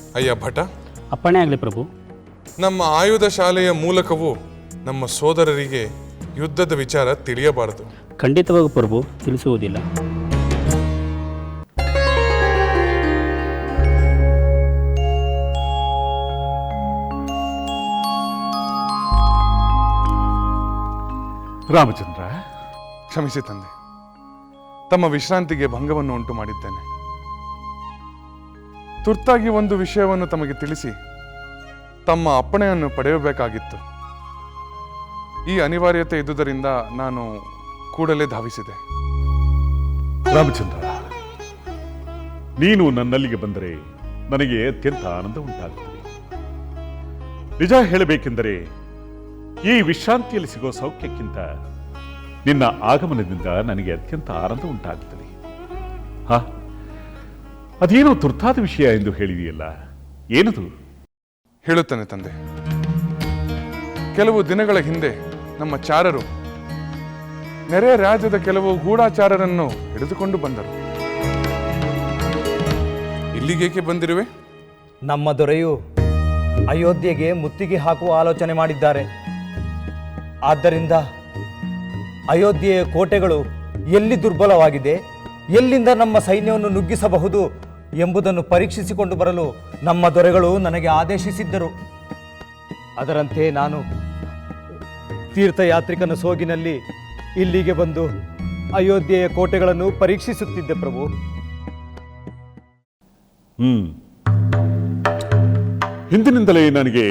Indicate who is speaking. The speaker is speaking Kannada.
Speaker 1: ಅಯ್ಯ ಭಟ,
Speaker 2: ಅಪ್ಪಣೆ ಆಗಲಿ ಪ್ರಭು.
Speaker 1: ನಮ್ಮ ಆಯುಧ ಶಾಲೆಯ ಮೂಲಕವೂ ನಮ್ಮ ಸೋದರರಿಗೆ ಯುದ್ಧದ ವಿಚಾರ ತಿಳಿಯಬಾರದು.
Speaker 2: ಖಂಡಿತವಾಗಿ ಪ್ರಭು, ತಿಳಿಸುವುದಿಲ್ಲ.
Speaker 3: ರಾಮಚಂದ್ರ,
Speaker 1: ಕ್ಷಮಿಸಿ ತಂದೆ, ತಮ್ಮ ವಿಶ್ರಾಂತಿಗೆ ಭಂಗವನ್ನು ಉಂಟು ಮಾಡಿದ್ದೇನೆ. ತುರ್ತಾಗಿ ಒಂದು ವಿಷಯವನ್ನು ತಮಗೆ ತಿಳಿಸಿ ತಮ್ಮ ಅಪ್ಪಣೆಯನ್ನು ಪಡೆಯಬೇಕಾಗಿತ್ತು. ಈ ಅನಿವಾರ್ಯತೆ ಇದ್ದುದರಿಂದ ನಾನು ಕೂಡಲೇ ಧಾವಿಸಿದೆ.
Speaker 3: ರಾಮಚಂದ್ರ, ನೀನು ನನ್ನಲ್ಲಿಗೆ ಬಂದರೆ ನನಗೆ ಅತ್ಯಂತ ಆನಂದ ಉಂಟಾಗುತ್ತದೆ. ನಿಜ ಹೇಳಬೇಕೆಂದರೆ ಈ ವಿಶ್ರಾಂತಿಯಲ್ಲಿ ಸಿಗೋ ಸೌಖ್ಯಕ್ಕಿಂತ ನಿನ್ನ ಆಗಮನದಿಂದ ನನಗೆ ಅತ್ಯಂತ ಆನಂದ ಉಂಟಾಗುತ್ತದೆ. ಅದೇನೋ ತುರ್ತಾದ ವಿಷಯ ಎಂದು ಹೇಳಿದೆಯಲ್ಲ, ಏನದು?
Speaker 1: ಹೇಳುತ್ತೇನೆ ತಂದೆ. ಕೆಲವು ದಿನಗಳ ಹಿಂದೆ ನಮ್ಮ ಚಾರರು ನೆರೆ ರಾಜ್ಯದ ಕೆಲವು ಗೂಢಾಚಾರರನ್ನು ಹಿಡಿದುಕೊಂಡು ಬಂದರು. ಇಲ್ಲಿಗೇಕೆ ಬಂದಿರುವೆ?
Speaker 4: ನಮ್ಮ ದೊರೆಯು ಅಯೋಧ್ಯೆಗೆ ಮುತ್ತಿಗೆ ಹಾಕುವ ಆಲೋಚನೆ ಮಾಡಿದ್ದಾರೆ. ಆದ್ದರಿಂದ ಅಯೋಧ್ಯೆಯ ಕೋಟೆಗಳು ಎಲ್ಲಿ ದುರ್ಬಲವಾಗಿದೆ, ಎಲ್ಲಿಂದ ನಮ್ಮ ಸೈನ್ಯವನ್ನು ನುಗ್ಗಿಸಬಹುದು ಎಂಬುದನ್ನು ಪರೀಕ್ಷಿಸಿಕೊಂಡು ಬರಲು ನಮ್ಮ ದೊರೆಗಳು ನನಗೆ ಆದೇಶಿಸಿದ್ದರು. ಅದರಂತೆ ನಾನು ತೀರ್ಥಯಾತ್ರಿಕನ ಸೋಗಿನಲ್ಲಿ ಇಲ್ಲಿಗೆ ಬಂದು ಅಯೋಧ್ಯೆಯ ಕೋಟೆಗಳನ್ನು ಪರೀಕ್ಷಿಸುತ್ತಿದ್ದೆ ಪ್ರಭು.
Speaker 3: ಹಿಂದಿನಿಂದಲೇ ನನಗೆ